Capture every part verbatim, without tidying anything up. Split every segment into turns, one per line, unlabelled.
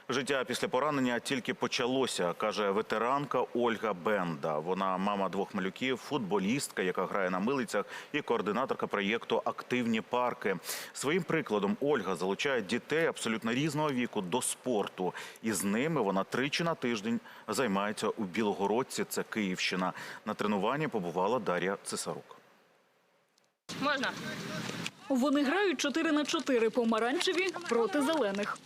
Життя після поранення тільки почалося, каже ветеранка Ольга Бенда. Вона мама двох малюків, футболістка, яка грає на милицях, і координаторка проєкту «Активні парки». Своїм прикладом Ольга залучає дітей абсолютно різного віку до спорту. І з ними вона тричі на тиждень займається у Білогородці, це Київщина. На тренуванні побувала Дар'я Цесарук.
Можна.
Вони грають чотири на чотири помаранчеві проти зелених.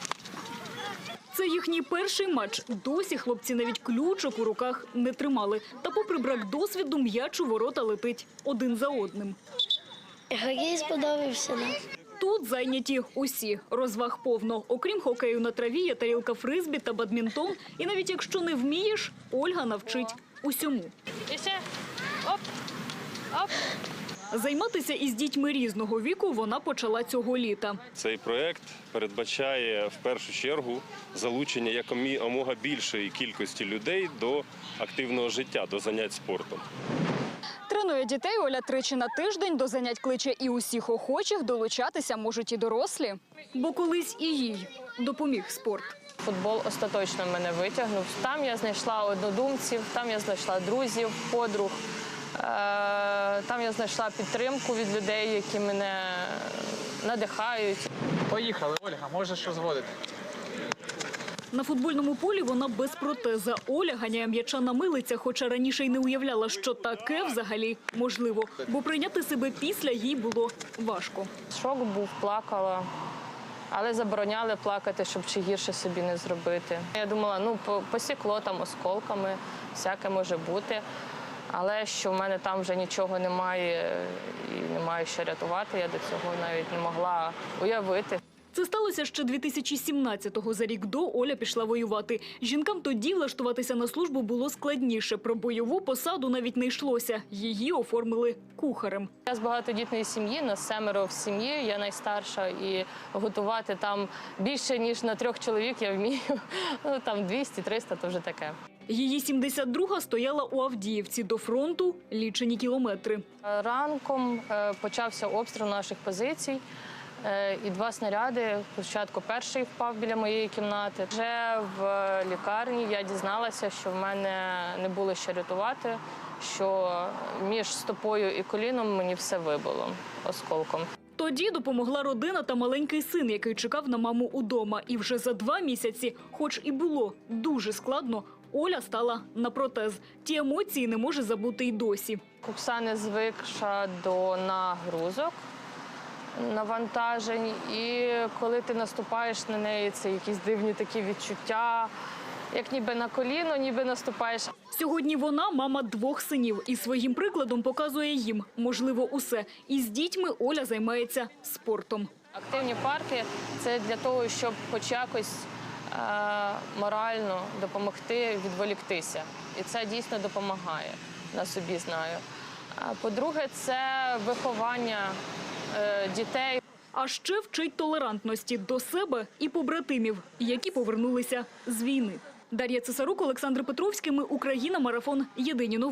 Це їхній перший матч. Досі хлопці навіть ключок у руках не тримали. Та попри брак досвіду, м'яч у ворота летить один за одним.
Хокей сподобався нам.
Тут зайняті усі. Розваг повно. Окрім хокею на траві, є тарілка фризбі та бадмінтон. І навіть якщо не вмієш, Ольга навчить усьому.
І ще. Оп. Оп.
Займатися із дітьми різного віку вона почала цього літа.
Цей проєкт передбачає в першу чергу залучення якомога більшої кількості людей до активного життя, до занять спортом.
Тренує дітей Оля тричі на тиждень, до занять кличе і усіх охочих, долучатися можуть і дорослі. Бо колись і їй допоміг спорт.
Футбол остаточно мене витягнув. Там я знайшла однодумців, там я знайшла друзів, подруг. Там я знайшла підтримку від людей, які мене надихають.
Поїхали, Ольга, можеш розводити.
На футбольному полі вона без протеза. Оля ганяє м'яча на милицях, хоча раніше й не уявляла, що таке взагалі можливо. Бо прийняти себе після їй було важко.
Шок був, плакала, але забороняли плакати, щоб чи гірше собі не зробити. Я думала, ну посікло там осколками, всяке може бути. Але що в мене там вже нічого немає і немає що рятувати, я до цього навіть не могла уявити.
Це сталося ще дві тисячі сімнадцятого. За рік до Оля пішла воювати. Жінкам тоді влаштуватися на службу було складніше. Про бойову посаду навіть не йшлося. Її оформили кухарем.
Я з багатодітної сім'ї, нас семеро в сім'ї, я найстарша. І готувати там більше, ніж на трьох чоловік я вмію. Ну, там двісті-триста – то вже таке.
Її сімдесят друга стояла у Авдіївці. До фронту лічені кілометри.
Ранком почався обстріл наших позицій. І два снаряди, спочатку перший впав біля моєї кімнати. Вже в лікарні я дізналася, що в мене не було що рятувати, що між стопою і коліном мені все вибило осколком.
Тоді допомогла родина та маленький син, який чекав на маму удома. І вже за два місяці, хоч і було дуже складно, Оля стала на протез. Ті емоції не може забути й досі.
Кукса не звикша до нагрузок, навантажень, і коли ти наступаєш на неї, це якісь дивні такі відчуття, як ніби на коліно, ніби наступаєш.
Сьогодні вона мама двох синів і своїм прикладом показує їм, можливо, усе. І з дітьми Оля займається спортом.
Активні парки – це для того, щоб хоч якось е, морально допомогти відволіктися. І це дійсно допомагає, на собі знаю. А по-друге, це виховання дітей.
А ще вчить толерантності до себе і побратимів, які повернулися з війни. Дар'я Цесарук, Олександр Петровський. Ми Україна. Марафон. Єдині новини.